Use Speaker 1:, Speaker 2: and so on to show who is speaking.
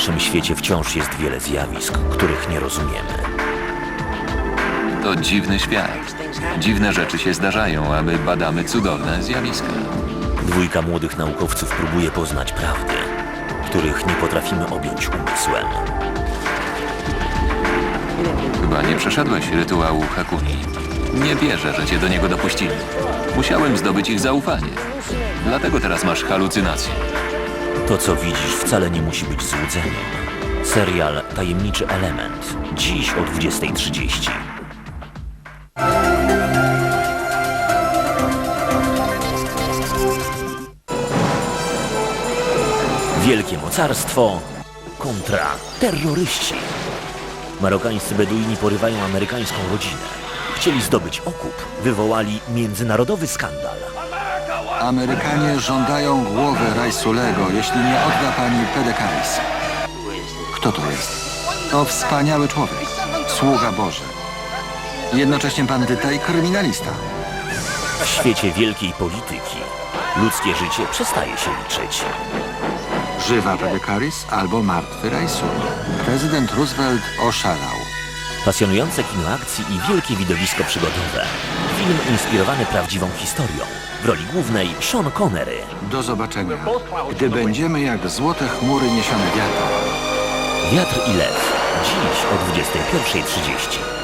Speaker 1: naszym świecie wciąż jest wiele zjawisk, których nie rozumiemy.
Speaker 2: To dziwny świat. Dziwne rzeczy się zdarzają, a my badamy cudowne zjawiska.
Speaker 1: Dwójka młodych naukowców próbuje poznać prawdy, których nie potrafimy objąć umysłem.
Speaker 2: Chyba nie przeszedłeś rytuału Hakuni. Nie wierzę, że cię do niego dopuścili. Musiałem zdobyć ich zaufanie. Dlatego teraz masz halucynacje.
Speaker 1: To, co widzisz, wcale nie musi być złudzeniem. Serial Tajemniczy Element. Dziś o 20:30. Wielkie mocarstwo kontra terroryści. Marokańscy Beduini porywają amerykańską rodzinę. Chcieli zdobyć okup. Wywołali międzynarodowy skandal.
Speaker 3: Amerykanie żądają głowy Raisulego, jeśli nie odda pani Pedekaris. Kto to jest? To wspaniały człowiek, sługa Boży. Jednocześnie bandyta i kryminalista.
Speaker 1: W świecie wielkiej polityki ludzkie życie przestaje się liczyć.
Speaker 3: Żywa Pedekaris albo martwy Raisul. Prezydent Roosevelt oszalał.
Speaker 1: Pasjonujące kino akcji i wielkie widowisko przygodowe. Film inspirowany prawdziwą historią. W roli głównej Sean Connery.
Speaker 3: Do zobaczenia, gdy będziemy jak złote chmury niesione wiatrem.
Speaker 1: Wiatr i lew. Dziś o 21:30.